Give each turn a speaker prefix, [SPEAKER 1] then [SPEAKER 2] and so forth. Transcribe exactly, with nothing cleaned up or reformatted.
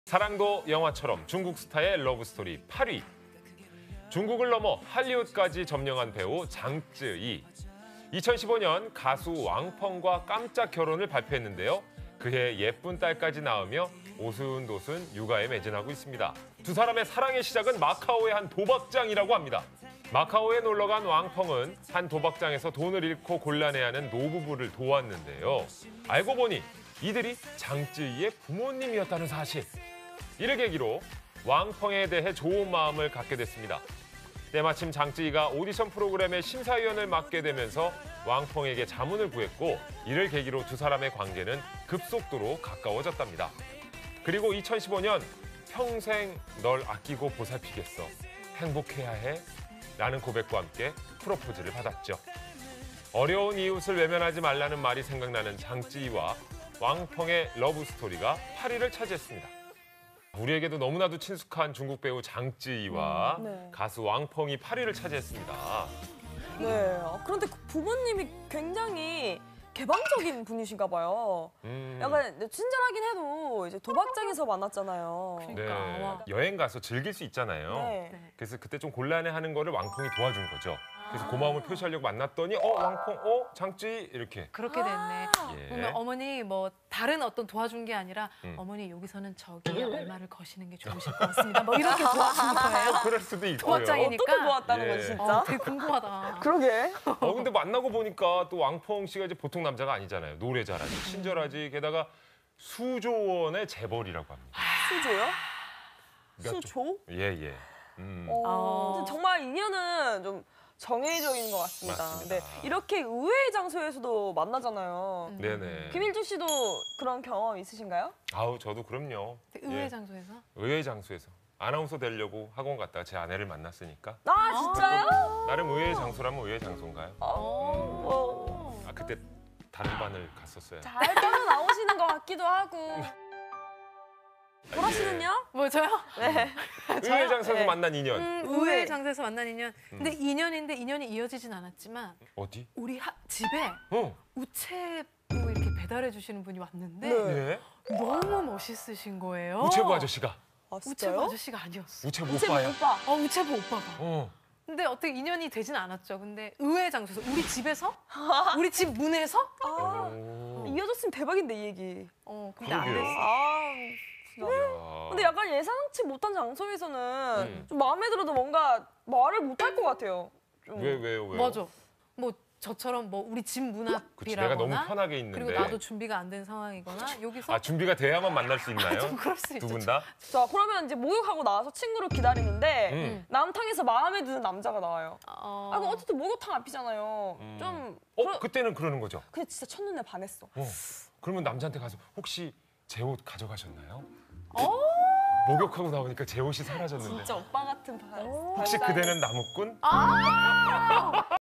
[SPEAKER 1] 사랑도 영화처럼 중국 스타의 러브스토리 팔 위. 중국을 넘어 할리우드까지 점령한 배우 장쯔이. 이천십오 년 가수 왕펑과 깜짝 결혼을 발표했는데요. 그해 예쁜 딸까지 낳으며 오순도순 육아에 매진하고 있습니다. 두 사람의 사랑의 시작은 마카오의 한 도박장이라고 합니다. 마카오에 놀러간 왕펑은 한 도박장에서 돈을 잃고 곤란해하는 노부부를 도왔는데요. 알고 보니 이들이 장쯔이의 부모님이었다는 사실. 이를 계기로 왕펑에 대해 좋은 마음을 갖게 됐습니다. 때마침 장쯔이가 오디션 프로그램의 심사위원을 맡게 되면서 왕펑에게 자문을 구했고, 이를 계기로 두 사람의 관계는 급속도로 가까워졌답니다. 그리고 이천십오 년 평생 널 아끼고 보살피겠어. 행복해야 해. 라는 고백과 함께 프로포즈를 받았죠. 어려운 이웃을 외면하지 말라는 말이 생각나는 장쯔이와 왕펑의 러브스토리가 팔 위를 차지했습니다. 우리에게도 너무나도 친숙한 중국 배우 장쯔이와
[SPEAKER 2] 음, 네.
[SPEAKER 1] 가수 왕펑이 팔 위를 차지했습니다.
[SPEAKER 2] 네. 그런데 그 부모님이 굉장히 개방적인 분이신가 봐요.
[SPEAKER 1] 음.
[SPEAKER 2] 약간 친절하긴 해도 이제 도박장에서 만났잖아요.
[SPEAKER 1] 네.
[SPEAKER 3] 그러니까.
[SPEAKER 1] 여행 가서 즐길 수 있잖아요.
[SPEAKER 2] 네.
[SPEAKER 1] 그래서 그때 좀 곤란해하는 거를 왕펑이 도와준 거죠. 그래서 고마움을 표시하려고 만났더니 어 왕펑, 어 장쯔이 이렇게.
[SPEAKER 3] 그렇게 됐네.
[SPEAKER 1] 예.
[SPEAKER 3] 그러면 어머니 뭐 다른 어떤 도와준 게 아니라
[SPEAKER 1] 음.
[SPEAKER 3] 어머니 여기서는 저기 얼마를 거시는 게 좋으실 것 같습니다. 뭐 이렇게 도와준 거예요.
[SPEAKER 1] 그럴 수도 있고요.
[SPEAKER 3] 도박장이니까.
[SPEAKER 2] 어떻게 모았다는
[SPEAKER 1] 예.
[SPEAKER 2] 거지 진짜?
[SPEAKER 3] 어, 되게 궁금하다.
[SPEAKER 2] 그러게.
[SPEAKER 1] 어 근데 만나고 보니까 또 왕펑 씨가 이제 보통 남자가 아니잖아요. 노래 잘하지, 친절하지, 게다가 수조 원의 재벌이라고 합니다.
[SPEAKER 2] 수조요?
[SPEAKER 1] 그러니까
[SPEAKER 2] 수조?
[SPEAKER 1] 좀- 예 예. 음.
[SPEAKER 2] 어,
[SPEAKER 3] 어.
[SPEAKER 2] 근데 정말 인연은 좀 정해져있는 것 같습니다.
[SPEAKER 1] 맞습니다.
[SPEAKER 2] 네, 이렇게 의외의 장소에서도 만나잖아요.
[SPEAKER 3] 음.
[SPEAKER 1] 네네.
[SPEAKER 2] 김일주 씨도 그런 경험 있으신가요?
[SPEAKER 1] 아우 저도 그럼요.
[SPEAKER 3] 의외의
[SPEAKER 1] 예.
[SPEAKER 3] 장소에서?
[SPEAKER 1] 의외의 장소에서 아나운서 되려고 학원 갔다가 제 아내를 만났으니까
[SPEAKER 2] 아, 진짜요?
[SPEAKER 1] 나름 의외의 장소라면 의외의 장소인가요?
[SPEAKER 2] 어,
[SPEAKER 1] 아 그때 다른 반을 갔었어요.
[SPEAKER 2] 잘 빠져나오시는 것 같기도 하고. 보라 씨는요?
[SPEAKER 3] 뭐 저요?
[SPEAKER 2] 네.
[SPEAKER 1] 의외의 장소에서
[SPEAKER 2] 네.
[SPEAKER 1] 만난 인연.
[SPEAKER 3] 음,
[SPEAKER 2] 의외.
[SPEAKER 3] 의외의 장소에서 만난 인연.
[SPEAKER 1] 음.
[SPEAKER 3] 근데 인연인데 인연이 이어지진 않았지만
[SPEAKER 1] 어디?
[SPEAKER 3] 우리 하, 집에
[SPEAKER 1] 어.
[SPEAKER 3] 우체부 이렇게 배달해 주시는 분이 왔는데
[SPEAKER 2] 네.
[SPEAKER 1] 네.
[SPEAKER 3] 너무 멋있으신 거예요.
[SPEAKER 1] 우체부 아저씨가.
[SPEAKER 2] 아,
[SPEAKER 3] 우체부
[SPEAKER 2] 진짜요?
[SPEAKER 3] 아저씨가 아니었어.
[SPEAKER 1] 우체부
[SPEAKER 2] 우체부
[SPEAKER 1] 오빠야.
[SPEAKER 2] 오빠.
[SPEAKER 3] 어, 우체부 오빠가.
[SPEAKER 1] 어.
[SPEAKER 3] 근데 어떻게 인연이 되진 않았죠. 근데 의외의 장소에서 우리 집에서? 우리 집 문에서?
[SPEAKER 2] 아,
[SPEAKER 1] 오.
[SPEAKER 2] 이어졌으면 대박인데 이 얘기.
[SPEAKER 3] 어, 근데 안
[SPEAKER 1] 그러게요.
[SPEAKER 3] 됐어.
[SPEAKER 2] 아, 진짜.
[SPEAKER 1] 야.
[SPEAKER 2] 근데 약간 예상치 못한 장소에서는
[SPEAKER 1] 음.
[SPEAKER 2] 좀 마음에 들어도 뭔가 말을 못 할 것 같아요. 좀.
[SPEAKER 1] 왜 왜요 왜요?
[SPEAKER 3] 맞아. 뭐 저처럼 뭐 우리 집 문
[SPEAKER 1] 그치, 내가 너무
[SPEAKER 3] 앞이라거나
[SPEAKER 1] 편하게 있는데.
[SPEAKER 3] 그리고 나도 준비가 안 된 상황이거나 여기서
[SPEAKER 1] 아 준비가 돼야만 만날 수 있나요?
[SPEAKER 3] 좀 그럴 수 있죠.
[SPEAKER 1] 두 분 다?
[SPEAKER 2] 자, 그러면 이제 목욕하고 나와서 친구를 기다리는데
[SPEAKER 1] 음.
[SPEAKER 2] 남탕에서 마음에 드는 남자가 나와요.
[SPEAKER 3] 어...
[SPEAKER 2] 아, 그럼 어쨌든 목욕탕 앞이잖아요.
[SPEAKER 1] 음.
[SPEAKER 2] 좀
[SPEAKER 1] 어
[SPEAKER 2] 그러-
[SPEAKER 1] 그때는 그러는 거죠.
[SPEAKER 2] 근데 진짜 첫눈에 반했어.
[SPEAKER 1] 어. 그러면 남자한테 가서 혹시 제 옷 가져가셨나요?
[SPEAKER 3] 어?
[SPEAKER 1] 목욕하고 나오니까 제 옷이 사라졌는데.
[SPEAKER 2] 진짜 오빠 같은 발.
[SPEAKER 1] 혹시 그대는 나무꾼?
[SPEAKER 3] 아!